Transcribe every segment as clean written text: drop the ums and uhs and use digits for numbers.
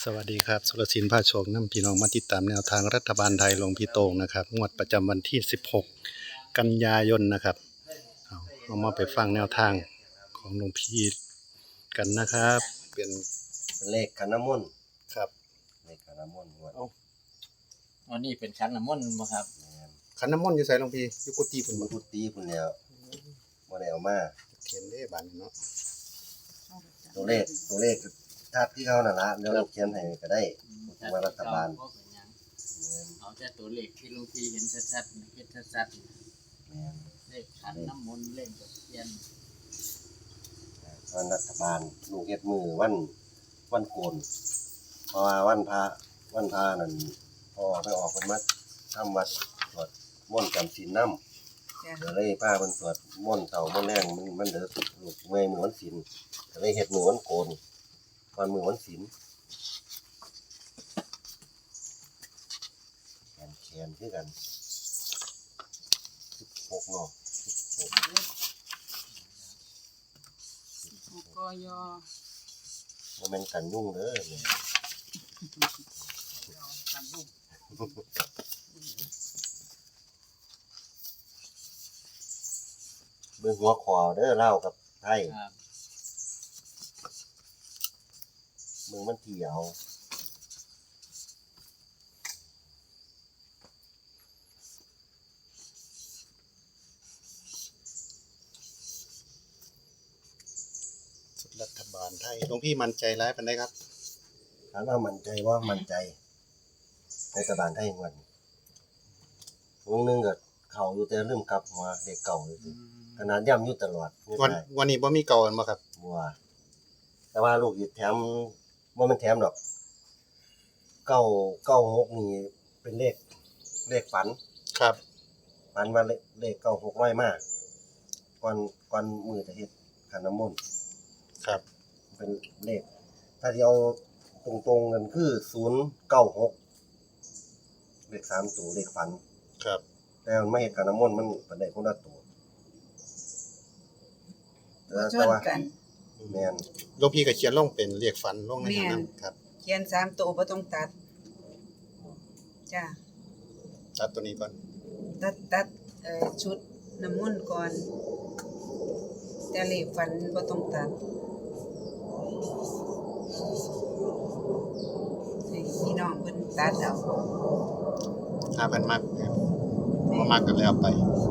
สวัสดีครับสุรศิลป์ภาโชคนำพี่น้องมาติดตามแนวทางรัฐบาลไทยหลวงพี่โตงนะครับงวดประจำวันที่16กันยายนนะครับเอามาไปฟังแนวทางของหลวงพี่กันนะครับเป็นเลขขันน้ำมนต์ครับเลขขันน้ำมนต์งวดอันนี้เป็นขันน้ำมนต์บ่ครับขันน้ำมนต์อยู่ไสหลวงพี่อยู่กุฏิพุ่นบ่มันพุทธีพุ่นแล้วบ่ได้เอามาเขียนเด้บานนี้เนาะตัวเลขทัดที่เขานั่นล่ะเดี๋ยวเราเขียนให้ก็ได้มารัฐบาลเอาแต่ตัวเลขที่หลวงพี่เห็นชัดๆเห็นชัดๆเลขขันน้ำมนต์เลขตะเคียนวันรัฐบาลลูกเฮ็ดมือวันโกนเพราะว่าวันพระนั่นพอไปออกเพิ่นมาทำวัดสวดมนต์จำศีลนำก็เลยพาเพิ่นสวดมนต์เช้ามนต์แลงมันเด้อลูกเมื่อยมื้อวันศีลก็เลยเฮ็ดมือวันโกนวันมือวันศีลแขนคือกัน16เนาะกยบ่แม่นกันยุ่งเด้อเนี่ยกันลูกเบิ่งหัวคอเด้อลาวกับไทยเบิ่งมันเที่ยวรัฐบาลไทยหลวงพี่มั่นใจหลายปานใดครับถามว่ามั่นใจว่ามั่นใจในรัฐบาลไทยงวดนี้วงนึงก็เข้าอยู่แต่ลืมกลับหัวเด็กเก่าเลยขนาดย้ำอยู่ตลอดวันนี้บ่มีเก่าบ่ครับบัวแต่ว่าลูกอีกแถมบ่แม่นแถมดอก996นี่เป็นเลขฝันครับฝันว่าเลข96ร้อยมาก่อนมื้อจะเฮ็ดขันน้ำมนต์ครับเป็นเลขถ้าที่เอาตรงๆกันคือ096เลข3ตัวเลขฝันครับแต่มันไม่เฮ็ดขันน้ำมนต์มันเป็นได้คนละตัวชนกันแม่นหลวงพี่ก็เขียนลงเป็นเลขฝันลงในนั้นครับเขียน3ตัวบ่ต้องตัดจ้าตัดตัวนี้ก่อนตัดชุดน้ำมนต์ก่อนแต่เลขฝันบ่ต้องตัดให้พี่น้องเพิ่นตัดเอาถ้าเพิ่นมักบ่มักก็แล้วไป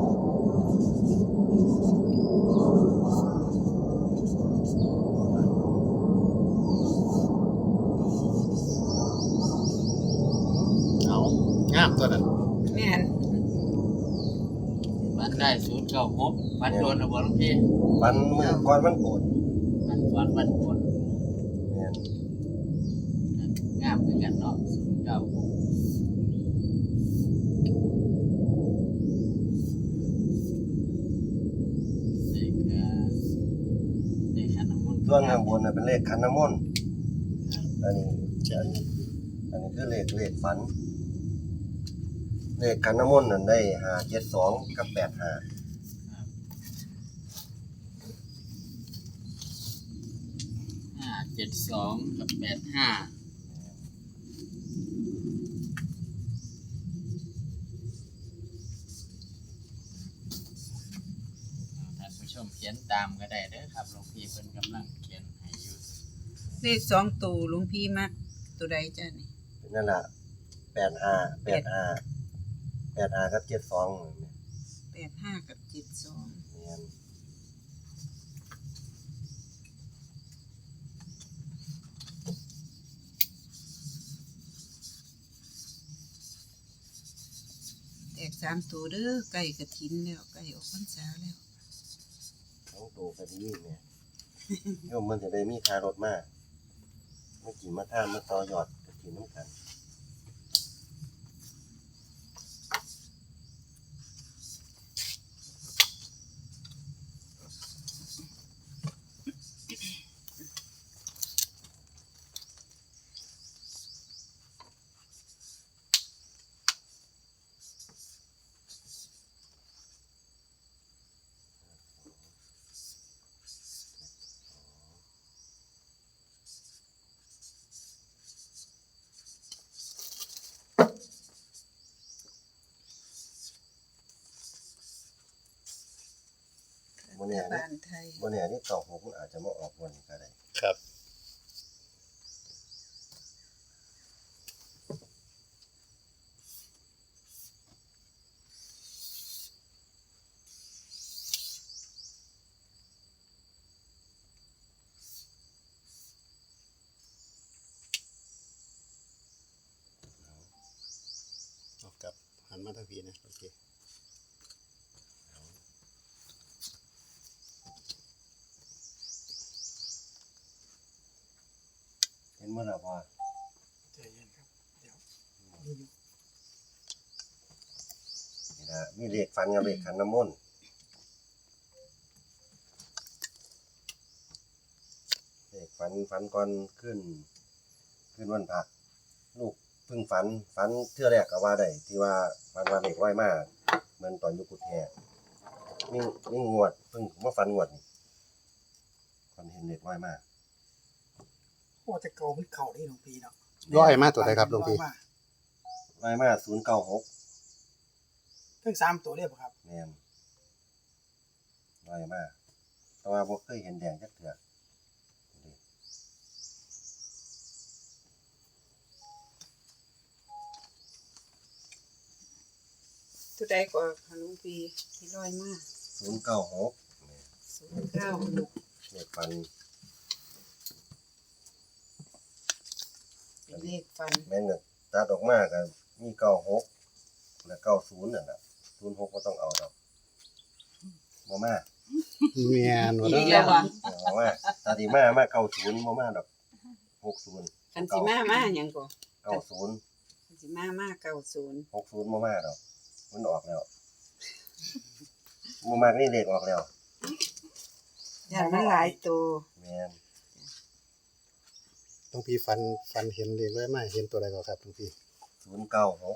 เอางามตัวนั้นแม่นมันได้096มันโดนบ่หลวงพี่วันมื้อก่อนวันโกนมันวันโกนแม่นงามคือกันเนาะ096 ส่วนข้างบนน่ะเป็นเลขขันน้ำมนต์อันนี้คือเลขฝันเลขขันน้ำมนต์นั่นได้572กับ85 572กับ85ชมเขียนตามก็ได้เด้อครับหลวงพี่เพิ่นกำลังเขียนให้อยู่เลข2ตัวหลวงพี่มักตัวใดจ้ะนี่นั่นล่ะ85กับ72 เนี่ย85กับ72 แม่นแตก3ตัวเด้อใกล้กฐินแล้วใกล้ออกพรรษาแล้ว 2ตัวก็ดีแม่โยมมันจะได้มีค่ารถมาเมื่อกี้มาทานมาต่อยอดกฐินนำกันบ่แน่รัฐนี่บาลไทยบ่แน่นี่96มันอาจจะมาออกวันนี้ก็ได้ครับ ออกกับหันมาทางพี่นะโอเคเห็นบ่ล่ะพ่อใจเย็นครับเดี๋ยวนี่อยู่นี่นะมีเลขฟันกับเลขขันน้ำมนต์เลขฝันก่อนขึ้นวันพระลูกเพิ่งฝันเทื่อแรกก็ว่าได้ที่ว่าฝันว่าเลขร้อยมาเหมือนตอนอยู่กุฏแฮมีงวดเพิ่งมาฝันงวดนี่ฝันเห็นเลขร้อยมาโอ้แต่เก่ามันเข่าได้หลวงพี่เนาะร้อยมาตัวใดครับหลวงพี่ร้อยมา096 เพิ่ง3ตัวเรียบครับแม่นร้อยมาแต่ว่าบ่เคยเห็นแดงจักเทื่อตัวใดก็ค่ะหลวงพี่ที่ร้อยมา 096 096 เลขฝันเป็นเลขฟันแม่นก็ตัดออกมาก็มี96และ90นั่นน่ะ06บ่ต้องเอาดอกบ่มาแม่นว่าอีเด้กอแล้วบ่บ่มาถ้าสิมา90บ่มาดอก60 คันสิมาหยังก็ 90 คันสิมา90 60บ่มาดอกมันออกแล้วบ่มากนี่เลขออกแล้วย่านมันหลายตัวแม่นหลวงพี่ฟันเห็นเลขไว้มาเห็นตัวใดก่อนครับหลวงพี่ 096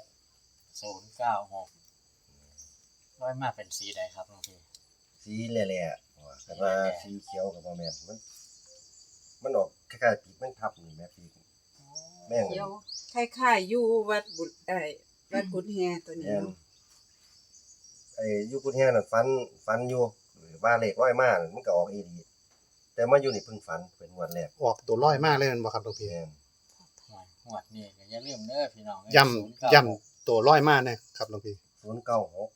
096ร้อยมาเป็นสีใดครับหลวงพี่สีแหล่ๆว่าแต่ว่าสีเขียวก็บ่แม่นมันออกคล้ายๆปีกแมงทับนี่แม่ปีกแม่งเดี๋ยวคล้ายๆอยู่วัดบุตรวัดกุฎแฮตัวนี้แม่นเนาะไอ้อยู่กุฏแฮนั่นฝันอยู่ว่าเลขร้อยมานั่นมันก็ออกอีหลีแต่มาอยู่นี่เพิ่งฝันเป็นงวดแรกออกตัวร้อยมากเลยแม่นบ่ครับหลวงพี่แม่นหวดนี่ก็อย่าลืมเด้อพี่น้องย่ำตัวร้อยมากนะครับหลวงพี่ 096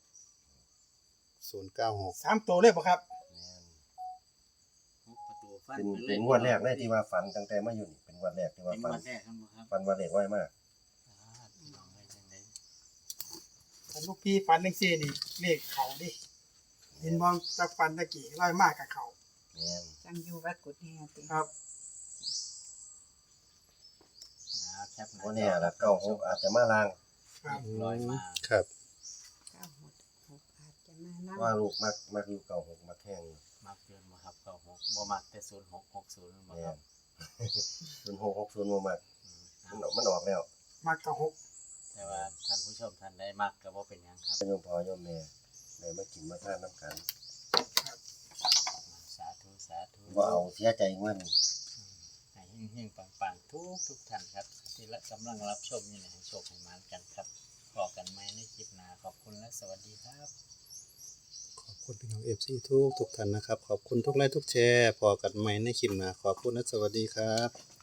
096 3ตัวเรียบครับแม่นประตูฟันเป็นงวดแรกเลยที่ว่าฝันตั้งแต่มาอยู่นี่เป็นงวดแรกที่ว่าเป็นฝังวน ดแรกครับครับฝันว่าเลขร้อยมาพี่น้องเอ้ยจังได๋แต่ลูกพี่ฟันจังซี่นี่เลขเข่าดิเห็นมองจากฟันตะกี้ร้อยมากกับเข่าแม่นจังอยู่วัดกุฎแฮติครับแคปหบ่แน่ละ96อาจจะมาลางครับร้อยมาครับ 966อาจจะมานํว่าลูกมักอยู่96มักแห้งอยู่มักเกินบ่ครับ96บ่มักแต่0660บ่แม่ครับน0660บ่มักมันออกแล้วมากกับ6 แต่ว่าท่านผู้ชมท่านได้มักก็บ่เป็นหยังครับโยมพ่อโยมแม่ได้มากินมาทานน้ำกันสาธุสาธุบ่เอาเสียใจงวดนี้ให้เฮงๆปังๆทุกท่านครับ ที่กำลังรับชมอยู่ในโชคให้มานกันครับพอกันใหม่ในคลิปหน้าขอบคุณและสวัสดีครับขอบคุณพี่น้อง FC ทุกท่านนะครับ ขอบคุณทุกไลค์ทุกแชร์พอกันใหม่ในคลิปหน้าขอบคุณและสวัสดีครับ